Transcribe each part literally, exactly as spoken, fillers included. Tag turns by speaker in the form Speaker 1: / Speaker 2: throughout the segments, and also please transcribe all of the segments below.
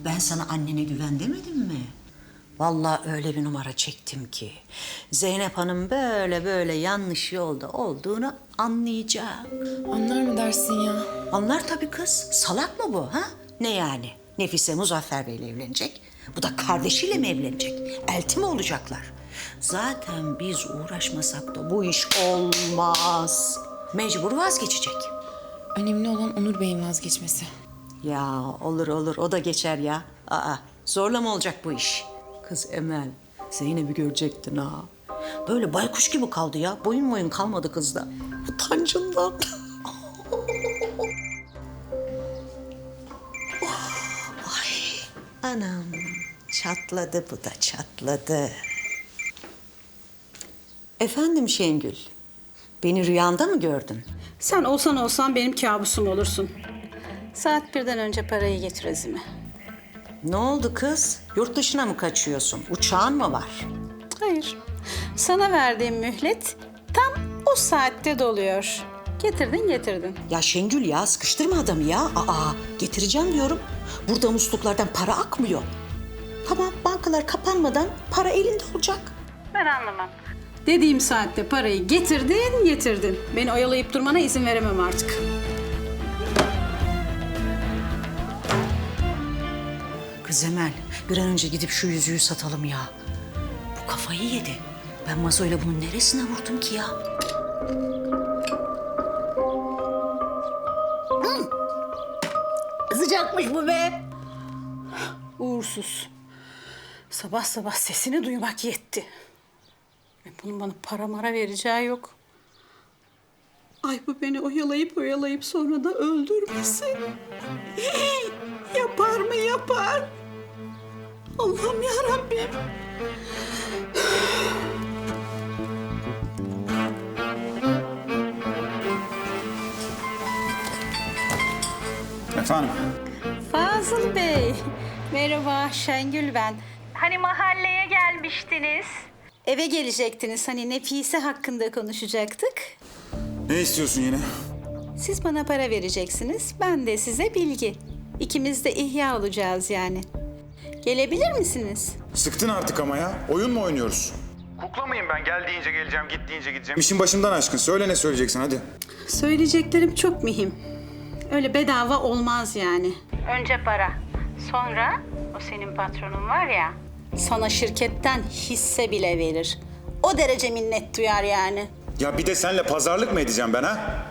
Speaker 1: Ben sana annene güven demedim mi? Vallahi öyle bir numara çektim ki Zeynep Hanım böyle böyle yanlış yolda olduğunu anlayacak.
Speaker 2: Anlar mı dersin ya?
Speaker 1: Anlar tabii kız. Salak mı bu ha? Ne yani? Nefise Muzaffer Bey'le evlenecek. Bu da kardeşiyle mi evlenecek? Elti mi olacaklar? Zaten biz uğraşmasak da bu iş olmaz. Mecbur vazgeçecek.
Speaker 2: Önemli olan Onur Bey'in vazgeçmesi.
Speaker 1: Ya olur olur o da geçer ya. Aa zorla mı olacak bu iş? Kız Emel Zeynep'i görecektin ha. Böyle baykuş gibi kaldı ya. Boyun boyun kalmadı kızda. Utancından. Ay anam çatladı bu da çatladı. Efendim Şengül, beni rüyanda mı gördün?
Speaker 3: Sen olsan olsan benim kabusum olursun. Saat birden önce parayı getir Azime.
Speaker 1: Ne oldu kız? Yurt dışına mı kaçıyorsun? Uçağın mı var?
Speaker 3: Hayır. Sana verdiğim mühlet tam o saatte doluyor. Getirdin getirdin.
Speaker 1: Ya Şengül ya sıkıştırma adamı ya. Aa getireceğim diyorum. Burada musluklardan para akmıyor. Tamam bankalar kapanmadan para elinde olacak.
Speaker 3: Ben anlamam. Dediğim saatte parayı getirdin getirdin. Beni oyalayıp durmana izin veremem artık.
Speaker 1: Kız Emel bir an önce gidip şu yüzüğü satalım ya. Bu kafayı yedi. Ben Mazo'yla bunun neresine vurdum ki ya? Hı! Sıcakmış bu be.
Speaker 3: Uğursuz. Sabah sabah sesini duymak yetti. Ve bunun bana para mara vereceği yok. Ay bu beni oyalayıp oyalayıp sonra da öldürmesin. Yapar mı yapar? Allah'ım yarabbim.
Speaker 4: Efendim?
Speaker 3: Fazıl Bey. Merhaba Şengül ben. Hani mahalleye gelmiştiniz. Eve gelecektiniz. Hani Nefise hakkında konuşacaktık.
Speaker 4: Ne istiyorsun yine?
Speaker 3: Siz bana para vereceksiniz. Ben de size bilgi. İkimiz de ihya olacağız yani. Gelebilir misiniz?
Speaker 4: Sıktın artık ama ya. Oyun mu oynuyoruz?
Speaker 5: Kukla mıyım ben? Gel deyince geleceğim, git deyince gideceğim.
Speaker 4: İşin başımdan aşkın. Söyle ne söyleyeceksin hadi.
Speaker 3: Söyleyeceklerim çok mühim. Öyle bedava olmaz yani. Önce para. Sonra o senin patronun var ya, sana şirketten hisse bile verir. O derece minnet duyar yani.
Speaker 4: Ya bir de senle pazarlık mı edeceğim ben ha?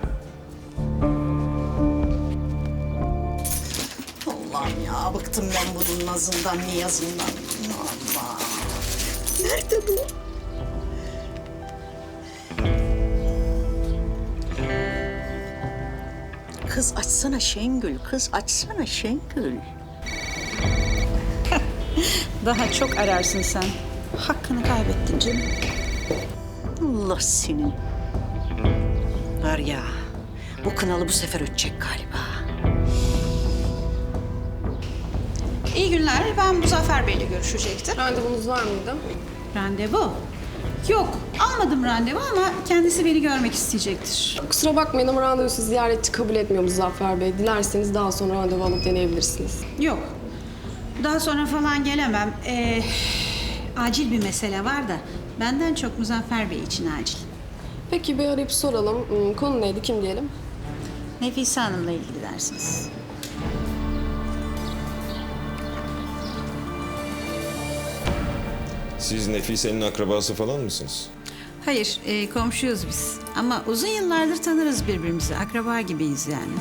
Speaker 1: Allah'ım ya bıktım ben bunun nazından niyazından. Allah. Nerede bu? Kız açsana Şengül, kız açsana Şengül.
Speaker 3: Daha çok ararsın sen. Hakkını kaybettin canım.
Speaker 1: Allah senin. Var ya, bu kınalı bu sefer ötecek galiba.
Speaker 3: İyi günler. Ben Muzaffer Bey'le görüşecektim.
Speaker 2: Randevunuz var mıydı?
Speaker 3: Randevu? Yok. Almadım randevu ama kendisi beni görmek isteyecektir.
Speaker 2: Kusura bakmayın ama randevusu ziyaretçi kabul etmiyor Muzaffer Bey. Dilerseniz daha sonra randevu alıp deneyebilirsiniz.
Speaker 3: Yok. Daha sonra falan gelemem. Ee, acil bir mesele var da benden çok Muzaffer Bey için acil.
Speaker 2: Peki bir arayıp soralım. Hmm, Konu neydi, kim diyelim?
Speaker 3: Nefise Hanım'la ilgili dersiniz.
Speaker 6: Siz Nefise'nin akrabası falan mısınız?
Speaker 3: Hayır, e, komşuyuz biz. Ama uzun yıllardır tanırız birbirimizi. Akraba gibiyiz yani.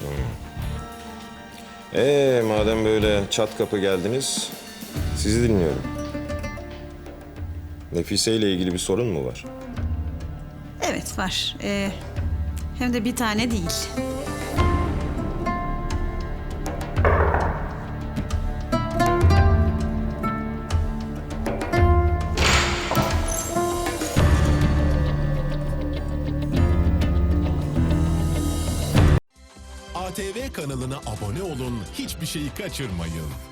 Speaker 6: Ee, madem böyle çat kapı geldiniz, sizi dinliyorum. Nefise ile ilgili bir sorun mu var?
Speaker 3: Evet var. Ee, hem de bir tane değil.
Speaker 7: A T V kanalına abone olun, hiçbir şeyi kaçırmayın.